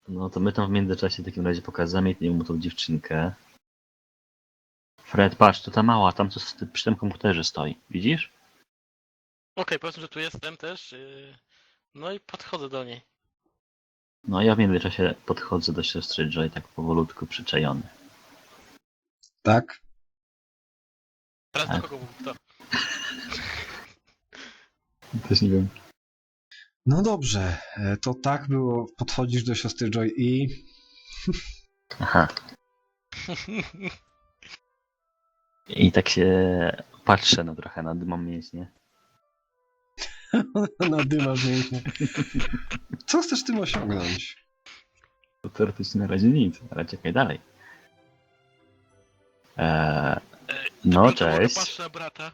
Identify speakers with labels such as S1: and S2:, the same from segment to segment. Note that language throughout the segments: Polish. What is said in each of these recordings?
S1: No to my tam w międzyczasie w takim razie pokazamy mu tą dziewczynkę. Fred, patrz, to ta mała, tam co przy tym komputerze stoi. Widzisz?
S2: Okej, powiedzmy, że tu jestem też. No i podchodzę do niej.
S1: No ja w międzyczasie podchodzę do siostry Joy tak powolutku przyczajony.
S3: Tak?
S2: Teraz
S1: Tak.
S2: do kogo mów to?
S1: Też nie wiem.
S3: No dobrze, to tak było. Podchodzisz do siostry Joy i...
S1: Aha. I tak się patrzę no trochę na dymą mięśnie.
S3: nadymasz mięśnie. Co chcesz tym osiągnąć?
S1: To teoretycznie na razie nic, ale czekaj dalej. No
S2: Mogę
S1: cześć.
S2: patrzeć na brata.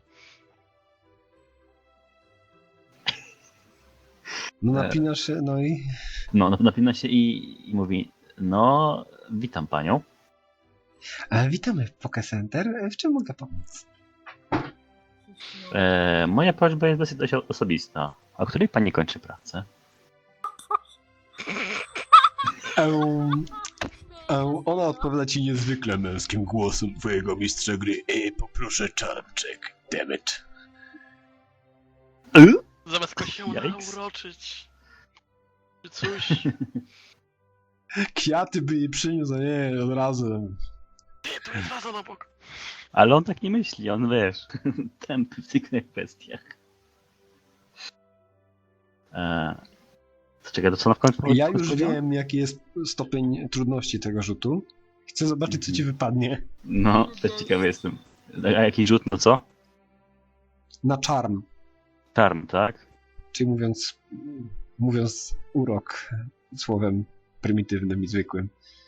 S3: No napinasz się, no i...
S1: No napina się i mówi, no witam panią.
S3: Witamy w Poke Center. W czym mogę pomóc?
S1: Moja prośba jest dość osobista. A o której pani kończy pracę?
S3: Ona odpowiada ci niezwykle męskim głosem twojego mistrza gry. Poproszę czarczek, dammit.
S2: Zamiast go się
S1: Yikes.
S2: nauroczyć. Czy coś.
S3: Kwiaty by jej przyniósł, a nie od razu.
S2: Nie, tu jest wazon obok.
S1: Ale on tak nie myśli, on wiesz, tępy w tych kwestiach. To czekaj, to co na w końcu
S3: Ja już
S1: powiedziała?
S3: wiem, jaki jest stopień trudności tego rzutu. Chcę zobaczyć, co ci wypadnie.
S1: No, też ciekawy jestem. A jaki rzut, no co?
S3: Na charm,
S1: Charm, tak?
S3: czyli mówiąc urok słowem prymitywnym i zwykłym.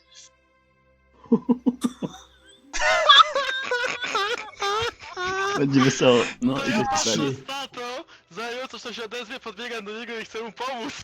S1: Będzie wesoło. No i to
S2: Ja
S1: jest
S2: patrzę
S1: pytanie.
S2: na to, zanim coś się odezwie, podbiegam do niego i chcę mu pomóc.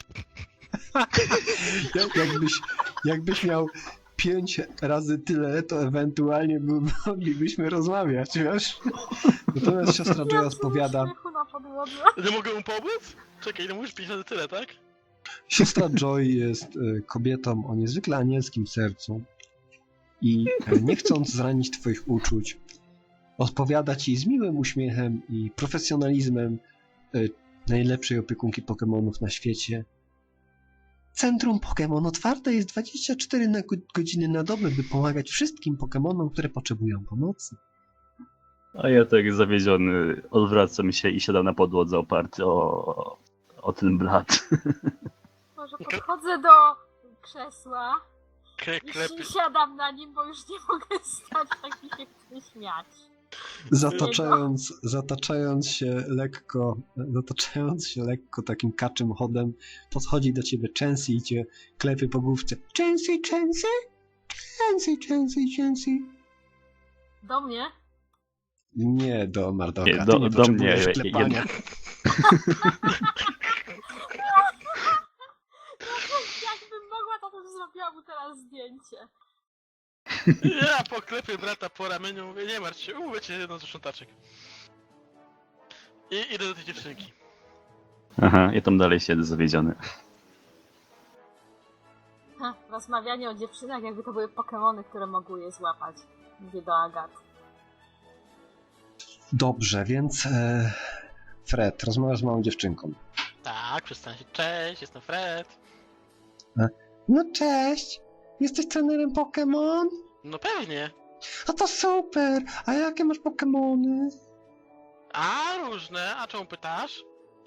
S3: Jakbyś miał 5 razy tyle, to ewentualnie moglibyśmy rozmawiać, wiesz? Natomiast siostra Joy odpowiada.
S2: Nie mogę mu pomóc? Czekaj, no mówisz 5 razy tyle, tak?
S3: Siostra Joy jest kobietą o niezwykle anielskim sercu i nie chcąc zranić twoich uczuć, odpowiada ci z miłym uśmiechem i profesjonalizmem najlepszej opiekunki Pokemonów na świecie. Centrum Pokémon otwarte jest 24 godziny na dobę, by pomagać wszystkim Pokemonom, które potrzebują pomocy.
S1: A ja tak zawiedziony odwracam się i siadam na podłodze oparty o ten blat.
S4: Może podchodzę do krzesła i siadam na nim, bo już nie mogę stać, tak mi się chce śmiać.
S3: Zataczając się lekko takim kaczym chodem, podchodzi do ciebie Chansey i cię klepie po główce. Chansey, Chansey? Chansey, Chansey, Chansey.
S4: Do mnie?
S3: Nie do Mardoka,
S1: Nie,
S3: ty
S1: do
S3: nie
S1: mnie,
S3: potrzebujesz klepania.
S4: Jakbym mogła, to bym zrobiła mu teraz zdjęcie.
S2: Ja poklepię brata po ramieniu, mówię, nie martw się, umówię cię jedną z sprzątaczek. I idę do tej dziewczynki.
S1: Aha, ja tam dalej siedzę zawiedziony.
S4: Rozmawianie o dziewczynach, jakby to były Pokemony, które mogły je złapać. Mówię do Agaty.
S3: Dobrze, więc Fred, rozmawiasz z małą dziewczynką.
S2: Tak, przedstawiam się, cześć, jestem Fred.
S3: No cześć, jesteś trenerem Pokémon?
S2: No pewnie.
S3: A to super, a jakie masz Pokémony?
S2: A, różne, a czemu pytasz?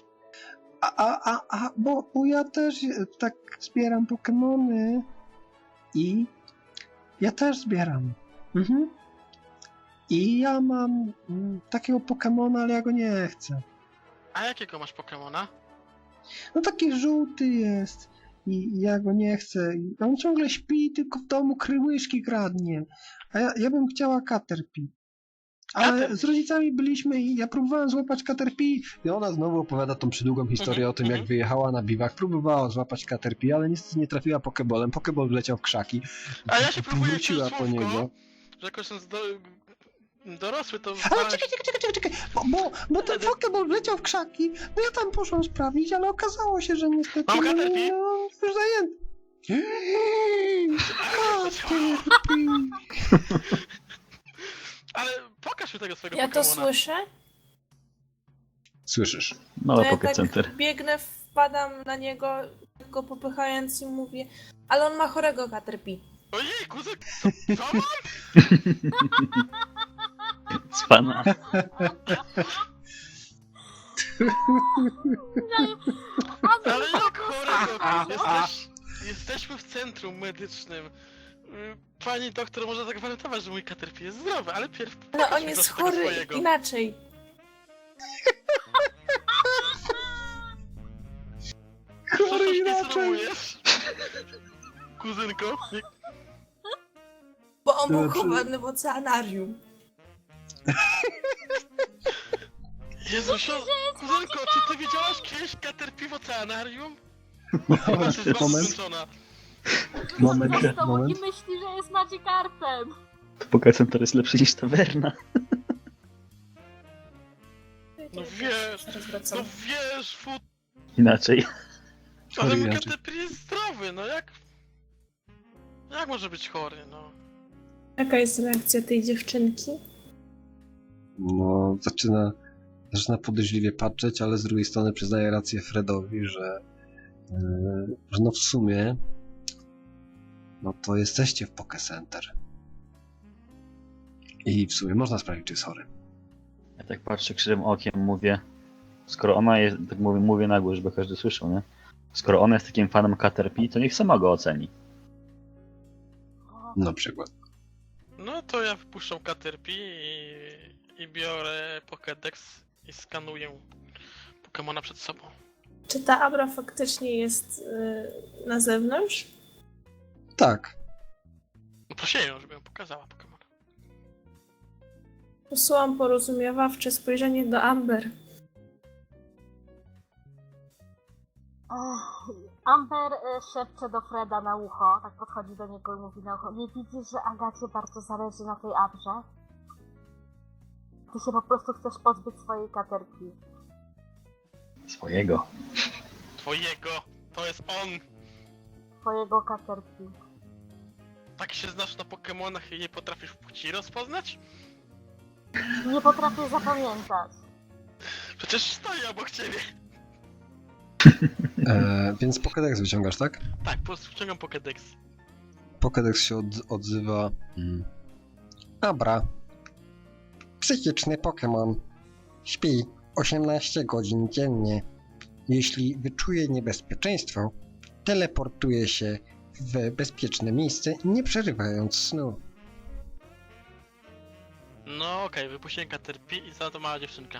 S3: Bo ja też tak zbieram Pokémony i ja też zbieram. Mhm. I ja mam takiego Pokémona, ale ja go nie chcę.
S2: A jakiego masz Pokemona?
S3: No taki żółty jest i ja go nie chcę. I on ciągle śpi, tylko w domu kryłyszki kradnie. A ja bym chciała Caterpie. Ale
S2: Caterpie.
S3: z rodzicami byliśmy i ja próbowałem złapać Caterpie i ona znowu opowiada tą przydługą historię o tym, jak wyjechała na biwak, próbowała złapać Caterpie, ale niestety nie trafiła Pokeballem. Pokeball wleciał w krzaki.
S2: A ja się próbuję
S3: Wróciła
S2: wziąć
S3: po
S2: słówko,
S3: niego.
S2: że jakoś ten dorosły to...
S3: Ale czekaj, bo ten Pokeball wleciał w krzaki, no ja tam poszłam sprawdzić, ale okazało się, że niestety
S2: Mam Caterpie?
S3: już zajęty.
S2: Ale pokaż mi tego swojego
S5: Ja to
S2: Pokemona.
S5: słyszę,
S3: Słyszysz?
S5: to
S1: Małe
S5: ja
S1: Pocket
S5: tak
S1: Center.
S5: biegnę, wpadam na niego, go popychając i mówię, ale on ma chorego Caterpie.
S2: Ojej, kuzek, co mam?
S1: Cwana.
S2: Ale jak chorego? Jesteśmy w centrum medycznym. Pani doktor może zagwarantować, że mój Caterpie jest zdrowy, ale pierw
S5: No
S2: pokaż
S5: on
S2: mi
S5: jest
S2: proszę tego
S5: chory
S2: swojego.
S5: inaczej.
S3: Chory
S2: Przecież
S3: inaczej!
S2: nic rymujesz. Kuzynko, nie...
S5: Bo on był
S3: Znaczy-
S5: chowany w oceanarium.
S2: Jezu, kuzynko, czy ty widziałaś kiedyś Caterpie w oceanarium?
S3: Moment,
S2: Jest
S3: moment,
S2: skończona.
S3: moment,
S4: Z tobą
S3: moment.
S4: i myśli, że jest Magikarpem.
S1: Pocket Center jest lepszy niż tawerna.
S2: No wiesz,
S5: Zaraz wracam.
S2: no wiesz,
S1: Inaczej.
S2: ale
S3: Chory
S2: mój
S3: inaczej.
S2: Caterpie jest zdrowy, no jak... Jak może być chory, no?
S5: Jaka jest reakcja tej dziewczynki?
S3: No, zaczyna podejrzliwie patrzeć, ale z drugiej strony przyznaje rację Fredowi, że no w sumie no to jesteście w Poké Center. I w sumie można sprawdzić, czy jest chory.
S1: Ja tak patrzę krzywym okiem, mówię, skoro ona jest, tak mówię na głos, żeby każdy słyszał, nie? Skoro ona jest takim fanem Caterpie, to niech sama go oceni.
S3: Na przykład.
S2: No to ja wypuszczam Caterpie i biorę Pokédex i skanuję Pokemona przed sobą.
S5: Czy ta Abra faktycznie jest na zewnątrz?
S3: Tak.
S2: No prosiłem ją, żeby ją pokazała Pokemona.
S5: Posyłam porozumiewawcze spojrzenie do Amber.
S4: Amber szepcze do Freda na ucho, tak podchodzi do niego i mówi na ucho. Nie widzisz, że Agacie bardzo zależy na tej Abrze? Ty się po prostu chcesz pozbyć swojej Caterpie.
S1: Swojego.
S2: Twojego! To jest on!
S4: Twojego Caterpie.
S2: Tak się znasz na Pokemonach i nie potrafisz płci rozpoznać?
S4: Nie potrafię zapamiętać.
S2: Przecież stoi obok ciebie!
S3: Więc Pokédex wyciągasz, tak?
S2: Tak, po prostu wciągam Pokédex.
S3: Pokédex się odzywa. Abra. Psychiczny Pokémon. Śpi 18 godzin dziennie. Jeśli wyczuje niebezpieczeństwo, teleportuje się w bezpieczne miejsce, nie przerywając snu.
S2: No okej, wypuściłem Caterpie i za to mała dziewczynka.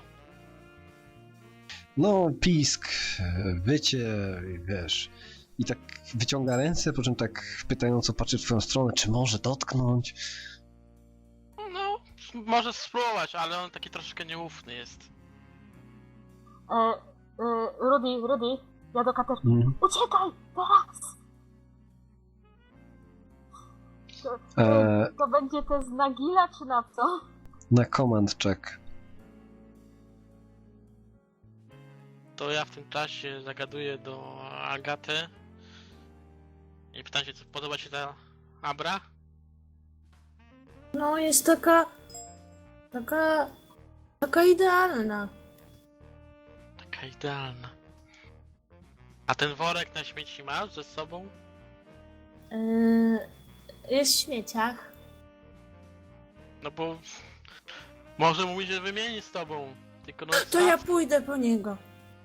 S3: No, pisk, wycie, wiesz. I tak wyciąga ręce, po czym tak pytająco patrzy w twoją stronę, czy może dotknąć.
S2: No, może spróbować, ale on taki troszkę nieufny jest.
S4: Rudy, ja do Caterpie.
S3: Mhm.
S4: Uciekaj! Teraz! To będzie test na Gila, czy na co?
S3: Na command check.
S2: To ja w tym czasie zagaduję do Agaty i pytam się, co podoba ci ta Abra?
S5: No, jest taka idealna.
S2: Taka idealna. A ten worek na śmieci masz ze sobą?
S5: Jest w śmieciach.
S2: No bo może mówi, że wymieni z tobą. Tylko no
S5: To ja pójdę po niego.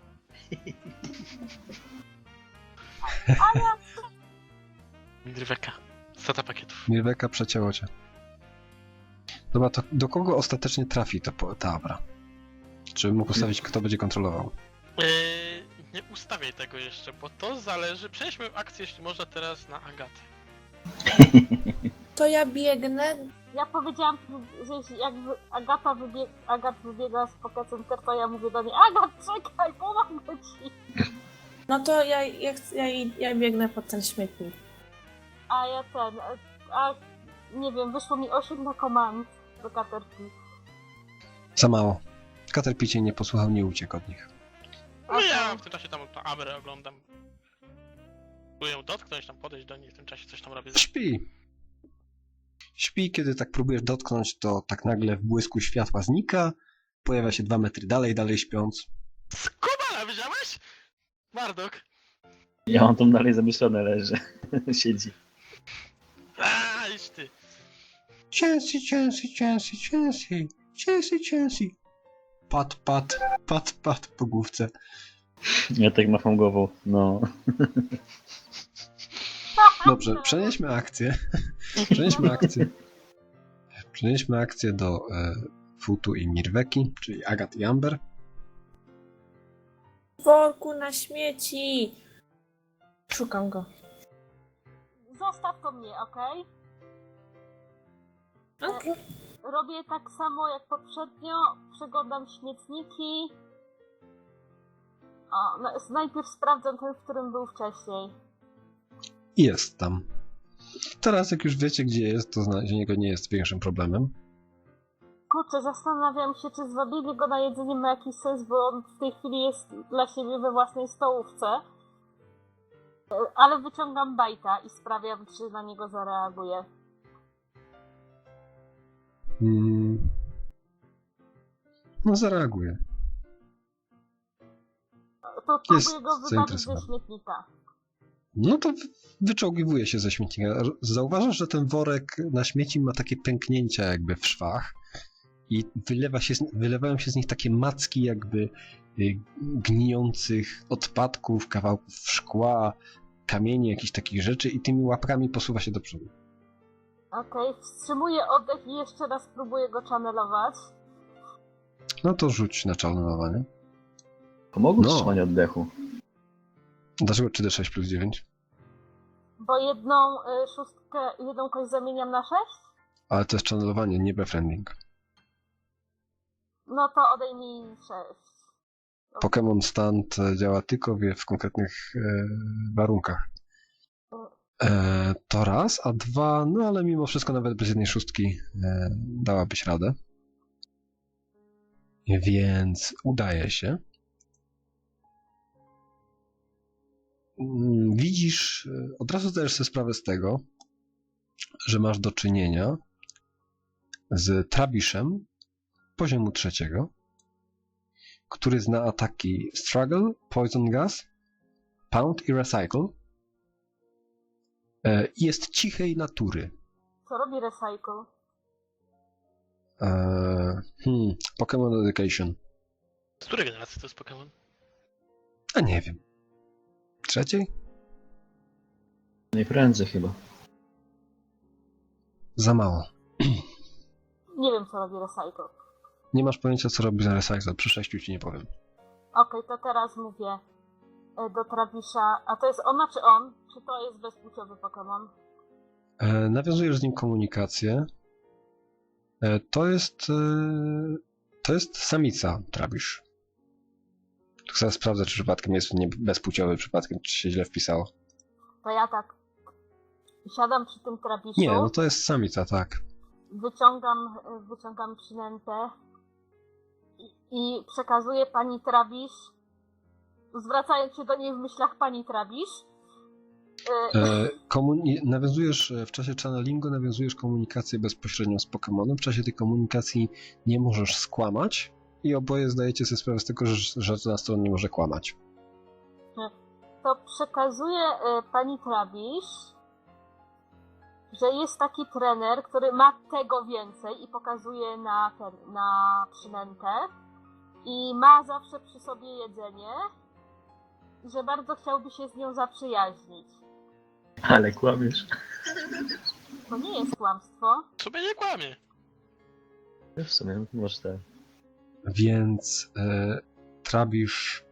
S2: Midryweka. Strata pakietów.
S3: Mirweka przecięło cię. Dobra, to do kogo ostatecznie trafi ta Abra? Czy mógł ustawić, kto będzie kontrolował?
S2: Nie ustawiaj tego jeszcze, bo to zależy. Przejdźmy akcję, jeśli można, teraz na Agatę.
S5: To ja biegnę.
S4: Ja powiedziałam, że jeśli jak Agat wybiega z Poké Center, to ja mówię do niej: Agat, czekaj, pomogę ci!
S5: No to ja biegnę pod ten śmietnik.
S4: A ja nie wiem, wyszło mi 8 na command do Caterpie.
S3: Za mało. Caterpie cię nie posłuchał, nie uciekł od nich.
S2: No ja w tym czasie tam tą Abrę oglądam. Próbuję ją dotknąć, tam podejść do niej, w tym czasie coś tam robię.
S3: Śpi. Śpi, kiedy tak próbujesz dotknąć, to tak nagle w błysku światła znika, pojawia się 2 metry dalej śpiąc.
S2: Skubala, widziałeś? Mardok.
S1: Ja mam tam dalej zamyślone leży. Siedzi.
S2: Idź ty.
S3: Cięsy. Pat po główce.
S1: Ja tak macham głową. No.
S3: Dobrze, przenieśmy akcję. Przenieśmy akcję do Futu i Mirweki, czyli Agat i Amber.
S5: W worku na śmieci! Szukam go.
S4: Zostaw to mnie, okej?
S5: Okej.
S4: Robię tak samo jak poprzednio, przeglądam śmietniki. Najpierw sprawdzam ten, w którym był wcześniej.
S3: Jest tam. Teraz jak już wiecie, gdzie jest, to znalezienie go nie jest większym problemem.
S4: Kurczę, zastanawiam się, czy zwabienie go na jedzenie ma jakiś sens, bo on w tej chwili jest dla siebie we własnej stołówce. Ale wyciągam bajta i sprawiam, czy na niego zareaguje.
S3: No zareaguje.
S4: To
S3: Jest
S4: próbuję go wybawić ze
S3: zainteresowany.
S4: śmietnika.
S3: No to wyczołgiwuje się ze śmietnika. Zauważasz, że ten worek na śmieci ma takie pęknięcia jakby w szwach i wylewają się z nich takie macki jakby gnijących odpadków, kawałków szkła, kamieni, jakichś takich rzeczy i tymi łapkami posuwa się do przodu.
S4: Okej, wstrzymuję oddech i jeszcze raz próbuję go channelować.
S3: No to rzuć na czarnowanie.
S1: Pomogło
S3: No.
S1: wstrzymanie oddechu.
S3: Dlaczego 3d6 plus 9?
S4: Bo jedną jedną kość zamieniam na 6?
S3: Ale to jest channelowanie, nie befriending.
S4: No to odejmij 6.
S3: Pokémon Stand działa tylko w konkretnych warunkach. To raz, a dwa, no ale mimo wszystko nawet bez jednej szóstki dałabyś radę. Więc udaje się. Widzisz, od razu zdajesz sobie sprawę z tego, że masz do czynienia z Trabiszem poziomu 3, który zna ataki Struggle, Poison Gas, Pound i Recycle. I jest cichej natury.
S4: Co robi Recycle?
S3: Pokémon Education.
S2: Z której generacji to jest Pokémon?
S3: A nie wiem. 3?
S1: Najprędzej chyba.
S3: Za mało.
S4: Nie wiem, co robi Recycle.
S3: Nie masz pojęcia, co robi za Recycle. Przy 6 ci nie powiem.
S4: Okej, to teraz mówię do Travisha. A to jest ona czy on? Czy to jest bezpłciowy Pokémon?
S3: Nawiązujesz z nim komunikację. To jest samica, Trabisz. Tu zaraz sprawdzę, czy przypadkiem jest nie bezpłciowy, przypadkiem, czy się źle wpisało.
S4: To ja tak siadam przy tym Travishu,
S3: Nie, no to jest samica, tak.
S4: wyciągam przynętę i przekazuję pani Travish, zwracając się do niej w myślach pani Travish.
S3: Nawiązujesz w czasie channelingu, nawiązujesz komunikację bezpośrednią z Pokemonem. W czasie tej komunikacji nie możesz skłamać i oboje zdajecie sobie sprawę z tego, że żadna strona nie może kłamać.
S4: To przekazuję pani Travish, że jest taki trener, który ma tego więcej i pokazuje na przynętę i ma zawsze przy sobie jedzenie i że bardzo chciałby się z nią zaprzyjaźnić.
S1: Ale kłamiesz.
S4: To nie jest kłamstwo.
S2: Sobie nie kłamie.
S1: W sumie, może tak.
S3: Więc Trabisz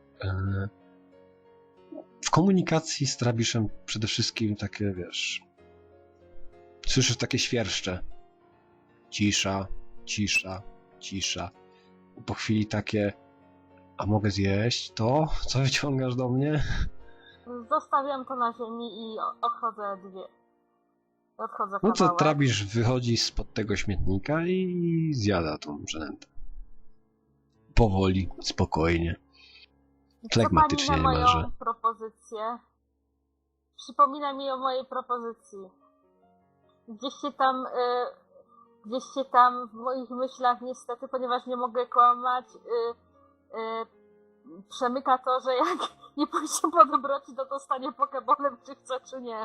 S3: w komunikacji z Trabiszem przede wszystkim takie, wiesz, słyszysz takie świerszcze. Cisza, cisza, cisza. Po chwili takie, a mogę zjeść to, co wyciągasz do mnie?
S4: Zostawiam to na ziemi i odchodzę
S3: No to
S4: kawałek.
S3: Trabisz wychodzi spod tego śmietnika i zjada tą przynętę. Powoli, spokojnie. Flegmatycznie
S4: Co pani na
S3: niemalże.
S4: moją propozycję? Przypomina mi o mojej propozycji. gdzieś się tam w moich myślach niestety, ponieważ nie mogę kłamać, przemyka to, że jak nie pójdzie po dobroci, to dostanie Pokebolem, czy chce, czy nie.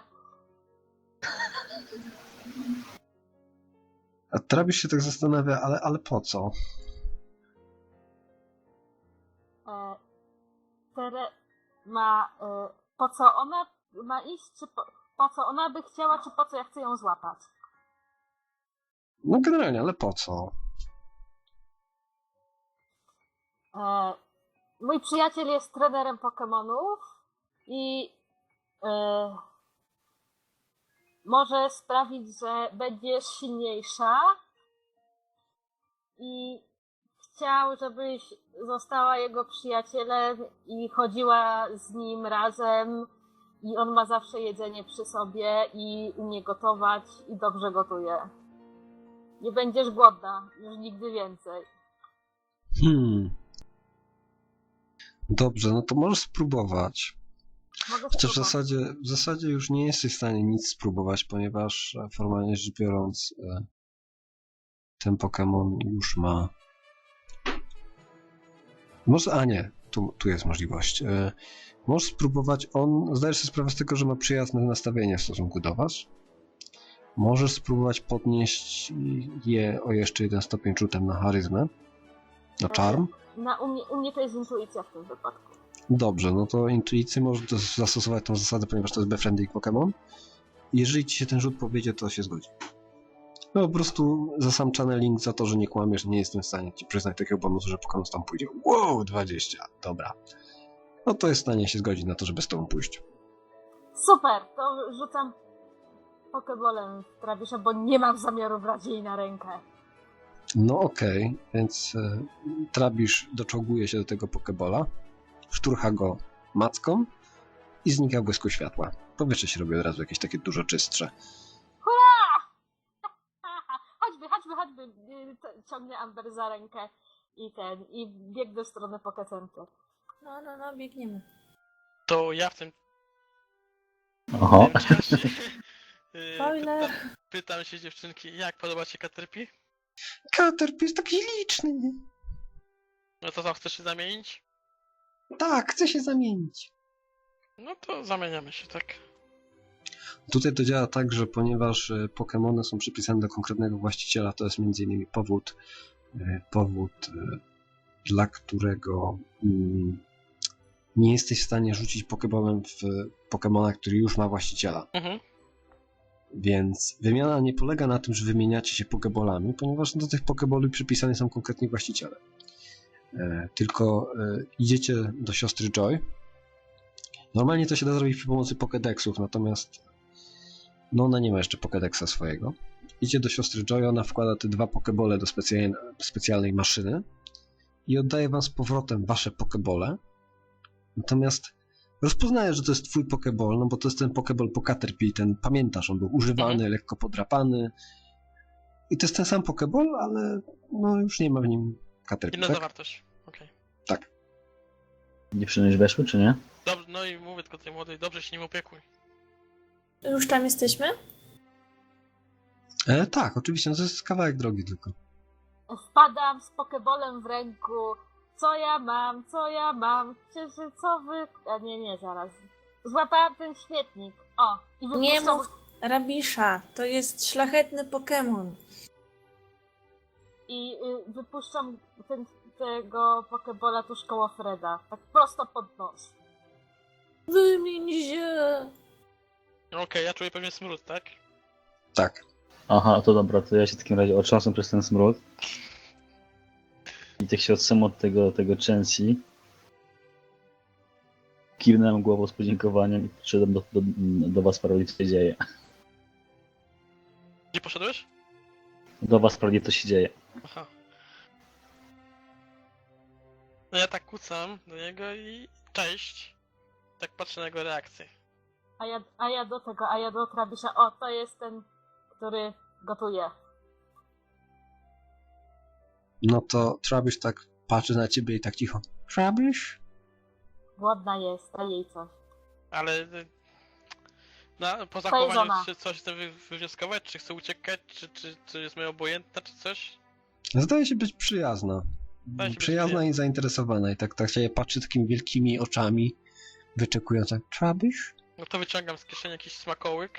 S3: A Travis się tak zastanawia, ale po co?
S4: Po co ona ma iść, czy po co ona by chciała, czy po co ja chcę ją złapać?
S3: No generalnie, ale po co?
S4: Mój przyjaciel jest trenerem Pokemonów i może sprawić, że będziesz silniejsza i chciał, żebyś została jego przyjacielem i chodziła z nim razem i on ma zawsze jedzenie przy sobie i umie gotować i dobrze gotuje. Nie będziesz głodna już nigdy więcej.
S3: Dobrze, no to możesz spróbować.
S4: Mogę
S3: Chociaż
S4: spróbować.
S3: w zasadzie już nie jesteś w stanie nic spróbować, ponieważ formalnie rzecz biorąc ten Pokémon już ma... Może, nie, tu jest możliwość. Możesz spróbować, on zdajesz sobie sprawę z tego, że ma przyjazne nastawienie w stosunku do was. Możesz spróbować podnieść je o jeszcze 1 stopień rzutem na charyzmę, na charm.
S4: U mnie to jest intuicja w tym wypadku.
S3: Dobrze, no to intuicję możesz zastosować tą zasadę, ponieważ to jest befriending Pokémon. Jeżeli ci się ten rzut powiedzie, to się zgodzi. No po prostu za sam channeling, za to, że nie kłamiesz, nie jestem w stanie ci przyznać takiego bonusu, że Pokémon tam pójdzie. Wow, 20, dobra. No to jest w stanie się zgodzić na to, żeby z tobą pójść.
S4: Super, to rzucam Pokebolem w Travisza, bo nie mam zamiaru brać jej na rękę.
S3: No okej, więc Trabisz doczołguje się do tego Pokebola, szturcha go macką i znika w błysku światła. Powietrze się robi od razu jakieś takie dużo czystsze.
S4: Chodźmy, ciągnie Amber za rękę i biegnę w stronę Pokecentru.
S5: No, biegniemy.
S2: To ja w tym
S1: Oho.
S2: czasie
S5: Spoiler.
S2: pytam się dziewczynki, jak podoba ci Caterpie?
S3: Caterpie jest taki liczny.
S2: No to co, chcesz się zamienić?
S3: Tak, chcę się zamienić.
S2: No to zamieniamy się, tak?
S3: Tutaj to działa tak, że ponieważ Pokémony są przypisane do konkretnego właściciela, to jest m.in. powód, dla którego nie jesteś w stanie rzucić Pokébolem w Pokémona, który już ma właściciela.
S2: Mhm.
S3: Więc wymiana nie polega na tym, że wymieniacie się Pokébolami, ponieważ do tych Pokéboli przypisane są konkretni właściciele. Tylko idziecie do siostry Joy. Normalnie to się da zrobić przy pomocy Pokédexów, natomiast no ona nie ma jeszcze Pokédexa swojego. Idzie do siostry Joy, ona wkłada te 2 Pokébole do specjalnej maszyny i oddaje wam z powrotem wasze Pokébole. Natomiast rozpoznaje, że to jest twój Pokéball, no bo to jest ten Pokéball po Caterpie, ten pamiętasz, on był używany, lekko podrapany. I to jest ten sam Pokéball, ale no już nie ma w nim Caterpie,
S2: Inna
S3: tak?
S2: zawartość. Okej.
S3: Tak.
S1: Dziewczyny już weszły, czy nie?
S2: Dobrze, no i mówię tylko tej młodej, dobrze się nim opiekuj.
S5: Już tam jesteśmy?
S3: Tak, oczywiście, no to jest kawałek drogi tylko.
S4: Wpadam z Pokebolem w ręku. Co ja mam? Księżycowy... A nie, zaraz. Złapałam ten śmietnik. O, i
S5: Nie
S4: wypuszczam...
S5: mów Rabisza, to jest szlachetny Pokémon.
S4: I wypuszczam tego Pokebola tuż koło Freda. Tak prosto pod nos.
S5: Wymień się!
S2: Okej, ja czuję pewnie smród, tak?
S3: Tak.
S1: Aha, to dobra, to ja się w takim razie otrząsam przez ten smród. I tak się odsunę od tego Chansi. Kiwnąłem głową z podziękowaniem i przyszedłem do was sprawdzić, co się dzieje.
S2: Gdzie poszedłeś?
S1: Do was sprawdzić, co się dzieje.
S2: Aha. No ja tak kucam do niego i cześć. Tak patrzę na jego reakcję.
S4: A ja do Travisza. O, to jest ten, który gotuje.
S3: No to Trabisz tak patrzy na ciebie i tak cicho. Trabisz?
S4: Głodna jest, daj jej coś.
S2: Ale Po
S4: żona.
S2: zachowaniu czy coś chce wywnioskować, czy chce uciekać, czy jest mi obojętna, czy coś?
S3: Zdaje się być przyjazna.
S2: Zdaje się być
S3: Przyjazna i
S2: przyjazna.
S3: zainteresowana. I tak się patrzy takimi wielkimi oczami, wyczekując jak Trabisz?
S2: No to wyciągam z kieszeni jakiś smakołyk.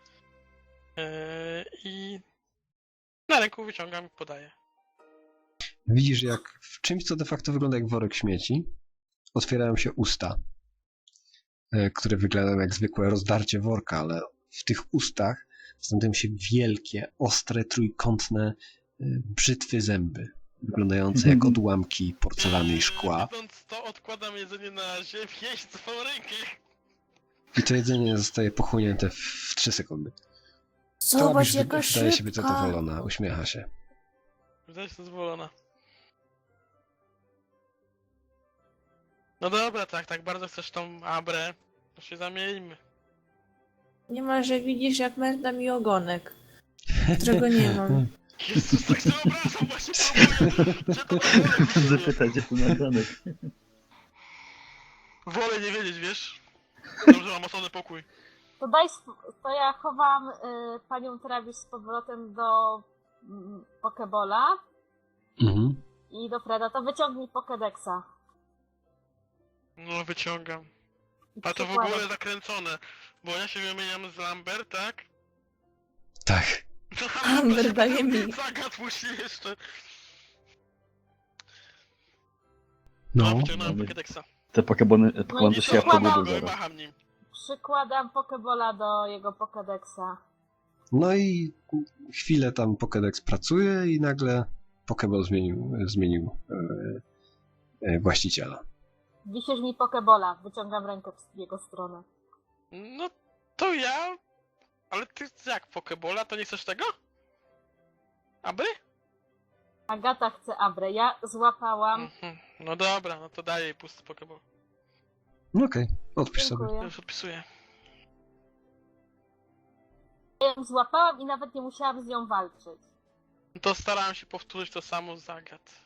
S2: I na ręku wyciągam i podaję.
S3: Widzisz, jak w czymś, co de facto wygląda jak worek śmieci, otwierają się usta, które wyglądają jak zwykłe rozdarcie worka, ale w tych ustach znajdują się wielkie, ostre, trójkątne brzytwy zęby, wyglądające jak odłamki porcelany i szkła.
S2: Widząc to, odkładam jedzenie na ziemię i swoją rękę.
S3: I to jedzenie zostaje pochłonięte w 3 sekundy.
S5: Zobacz,
S3: Trabisz
S5: jaka
S3: wydaje się być
S5: szybka.
S3: zadowolona, uśmiecha się.
S2: Wydaje się zadowolona. No dobra, tak bardzo chcesz tą Abrę, to się zamieńmy.
S5: Niemalże widzisz, jak merda mi ogonek, którego nie mam.
S2: Jezus, tak sobie obrażam, właśnie próbuję, że to wolę,
S1: Zapytać, gdzie ten nagranek.
S2: wolę nie wiedzieć, wiesz? Dobrze, mam osobny pokój.
S4: To ja chowam panią Travis z powrotem do Pokebola
S3: Mhm.
S4: i do Freda. To wyciągnij Pokédexa.
S2: No, wyciągam. A to w
S4: Przykładem.
S2: ogóle zakręcone, bo ja się wymieniam z Lambert, tak?
S3: Tak.
S5: Amber daje mi.
S2: Zagat musi jeszcze.
S3: No.
S2: Wyciągnąłem
S1: No,
S2: Pokédexa.
S1: Te Pokemony
S4: No i
S1: to
S4: co,
S1: się ja
S4: kładam
S1: pobudzę
S2: Go i
S1: zaraz.
S2: macham nim.
S4: Przykładam Pokebola do jego Pokédexa.
S3: No i chwilę tam Pokédex pracuje i nagle Pokeball zmienił właściciela.
S4: Wisisz mi Pokebola. Wyciągam rękę w jego stronę.
S2: No to ja... Ale ty jak Pokebola, to nie chcesz tego? Aby?
S4: Agata chce Abrę. Ja złapałam.
S2: Mhm. No dobra, no to daję jej pusty Pokeball.
S3: No okej, odpisz sobie.
S4: Dziękuję.
S2: Już odpisuję.
S4: Ja ją złapałam i nawet nie musiałam z nią walczyć.
S2: To starałem się powtórzyć to samo z Zagat.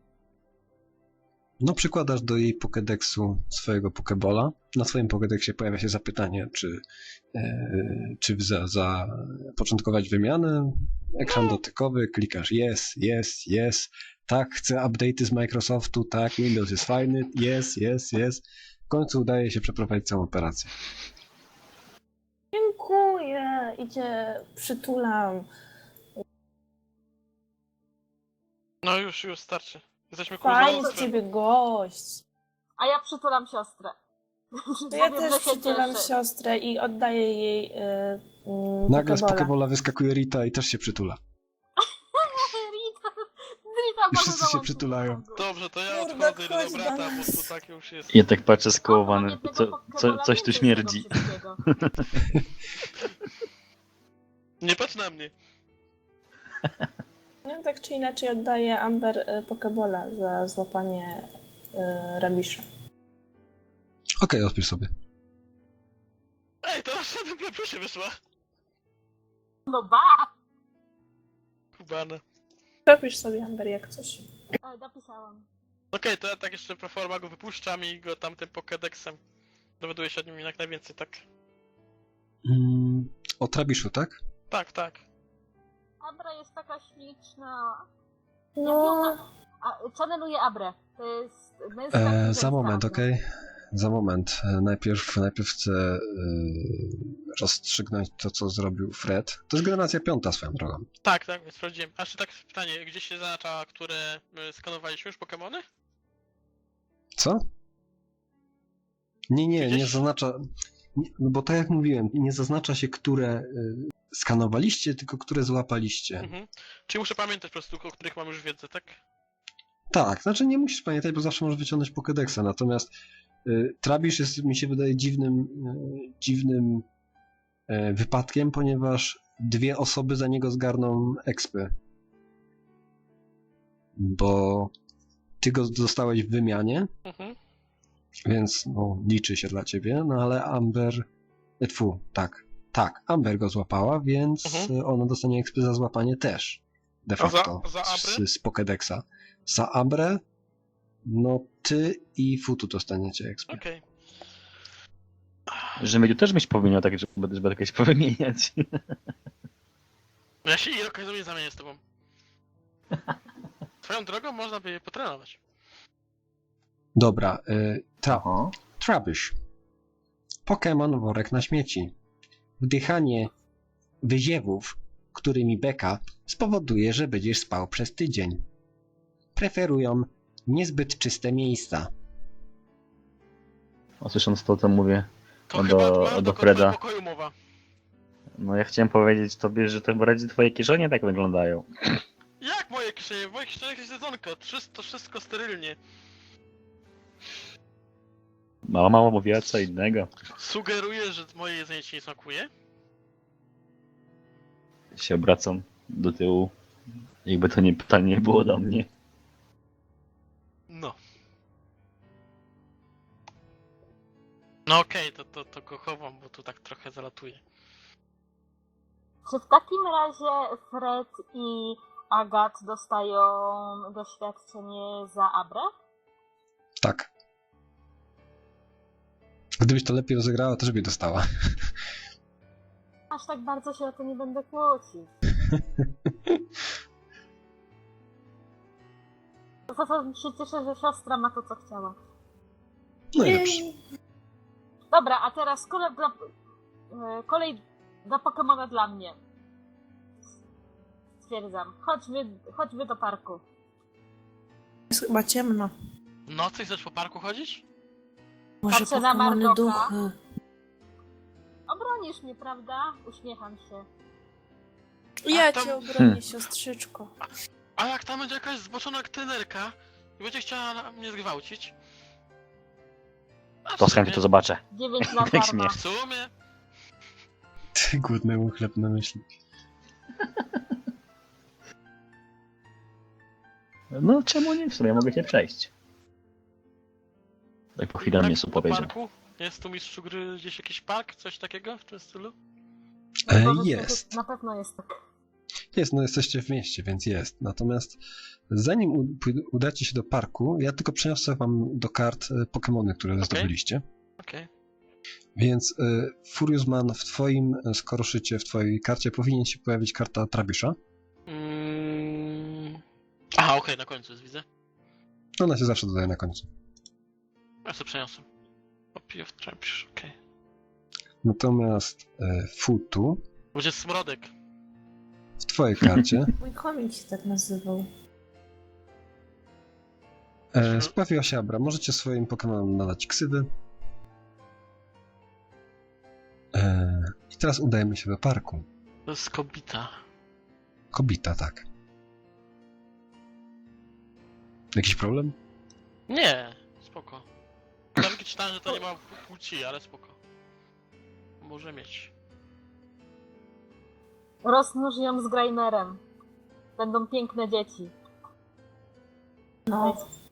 S3: No przykładasz do jej Pokédexu swojego Pokebola. Na swoim Pokédexie pojawia się zapytanie, czy zapoczątkować wymianę. Ekran dotykowy, klikasz yes, tak, chcę update'y z Microsoftu, tak, Windows jest fajny, yes. W końcu udaje się przeprowadzić całą operację.
S5: Dziękuję. Idzie, przytulam.
S2: No już starczy. Jesteśmy
S5: Fajny z
S2: kurwa.
S5: ciebie gość.
S4: A ja przytulam siostrę.
S5: To ja
S4: Powiem,
S5: też
S4: że się
S5: przytulam
S4: cieszę.
S5: siostrę i oddaję jej
S3: Nagle z
S5: Pokebola.
S3: Pokebola wyskakuje Rita i też się przytula.
S4: Rita
S3: I
S4: może
S3: wszyscy się
S4: dołączyć
S3: przytulają.
S4: do tego.
S2: Dobrze, to ja
S5: Kurde,
S2: odchodzę do
S5: chodź do
S2: brata, bo
S5: nas.
S2: to tak już jest.
S1: Ja tak patrzę
S4: O,
S1: skołowany,
S4: mam jednego Pokebola
S1: coś tu
S4: więcej z
S1: śmierdzi.
S4: tego wszystkiego.
S2: Nie patrz na mnie.
S5: No, tak czy inaczej oddaję Amber Pokebola za złapanie Rabisza.
S3: Okej, odpisz sobie.
S2: Ej, to nasza dobra proszę wyszła.
S4: No ba!
S2: Kubana.
S5: Robisz sobie Amber jak coś.
S4: Napisałam.
S2: Okej, to ja tak jeszcze pro forma go wypuszczam i go tam tym Pokédexem dowiaduję się o nim jak najwięcej, tak?
S3: O Trabiszu, tak?
S2: Tak.
S4: Abra jest taka śliczna.
S5: No,
S4: Channeluję Abrę. To jest
S3: Za moment, okej? Za moment. Najpierw chcę rozstrzygnąć to, co zrobił Fred. To jest generacja 5 swoją drogą.
S2: Tak, sprawdziłem. A jeszcze tak pytanie, gdzie się zaznacza, które skanowaliśmy już Pokemony?
S3: Co? Nie
S2: Gdzieś-
S3: zaznacza... No bo tak jak mówiłem, nie zaznacza się, które skanowaliście, tylko które złapaliście.
S2: Mhm. Czyli muszę pamiętać po prostu, o których mam już wiedzę, tak?
S3: Tak, znaczy nie musisz pamiętać, bo zawsze możesz wyciągnąć Pokédexa, natomiast Trabisz jest, mi się wydaje, dziwnym wypadkiem, ponieważ 2 osoby za niego zgarną expy. Bo ty go dostałeś w wymianie,
S2: Mhm.
S3: więc no, liczy się dla ciebie, no ale Amber... Tak, Amber go złapała, więc ona dostanie expy za złapanie też. De
S2: A
S3: facto.
S2: za Abrę?
S3: z Pokédexa. Za Abrę, no ty i Futu dostaniecie expy.
S2: Okej.
S1: Że Miedziu też byś powinien tak, żeby jakieś powymieniać.
S2: Ja się i okazuję zamienię z tobą. Swoją drogą można by je potrenować.
S3: Dobra,
S1: Aha.
S3: Trabuś. Pokémon worek na śmieci. Wdychanie wyziewów, którymi beka, spowoduje, że będziesz spał przez tydzień. Preferują niezbyt czyste miejsca.
S1: A słysząc to mówię
S2: To
S1: No
S2: chyba
S1: do-
S2: była
S1: do
S2: do
S1: Freda.
S2: pokoju mowa.
S1: No ja chciałem powiedzieć tobie, że to chyba raczej twoje kieszenie tak wyglądają.
S2: Jak moje kieszenie? W moich kieszeniach jest jedzonko. To wszystko sterylnie.
S1: Mama mówiła co innego.
S2: Sugeruję, że moje jedzenie ci nie smakuje?
S1: Się obracam do tyłu. Jakby to nie pytanie było do mnie.
S2: No. No okej, to go chowam, bo tu tak trochę zalatuje.
S4: Czy w takim razie Fred i Agat dostają doświadczenie za Abrę?
S3: Tak. Gdybyś to lepiej rozegrała, też by dostała.
S4: Aż tak bardzo się o to nie będę kłócić. Za to się cieszę, że siostra ma to, co chciała.
S3: No i dobrze.
S4: Dobra, a teraz kolej do Pokemona dla mnie. Stwierdzam. Chodźmy do parku.
S5: Jest chyba ciemno.
S2: Nocy chcesz po parku chodzić?
S5: Może
S4: Patrzę na
S5: Pokemony
S4: Margoka.
S5: duchy.
S4: Obronisz mnie, prawda? Uśmiecham się.
S5: Ja
S2: tam-
S5: cię obronię, siostrzyczko.
S2: A jak tam będzie jakaś zboczona trenerka i będzie chciała mnie zgwałcić? A w
S1: To z chęcią
S2: sumie-
S1: to zobaczę.
S4: 9 na
S1: Jak
S4: darmo.
S1: śmiech.
S2: W sumie?
S3: Ty głodnemu chleb na myśli.
S1: No czemu nie? W sumie mogę cię przejść. Tak po chwili na mnie
S2: po
S1: powiedział.
S2: parku? Jest tu mistrzu gry gdzieś jakiś park? Coś takiego w tym stylu?
S3: Jest.
S4: Na pewno jest tak.
S3: Jest, no jesteście w mieście, więc jest. Natomiast zanim udacie się do parku, ja tylko przeniosę wam do kart Pokemony, które zdobyliście.
S2: Okej.
S3: Więc Furiusman, w twoim skoroszycie, w twojej karcie powinien się pojawić karta Trabiusza.
S2: Aha, okej, na końcu jest, widzę.
S3: Ona się zawsze dodaje na końcu.
S2: Ja sobie przeniosę. Copy of Trapisz, okej.
S3: Natomiast Futu,
S2: Będzie smrodek.
S3: w twojej karcie
S5: Mój chomik się tak nazywał.
S3: pojawiła się Abra. Możecie swoim Pokemonom nadać ksywy. I teraz udajemy się do parku.
S2: To jest kobita.
S3: Kobita, tak. Jakiś problem?
S2: Nie, spoko. Nawet czytałem, że to nie ma płci, ale spoko. Może mieć.
S4: Rozmnóż ją z Graimerem. Będą piękne dzieci.
S5: No.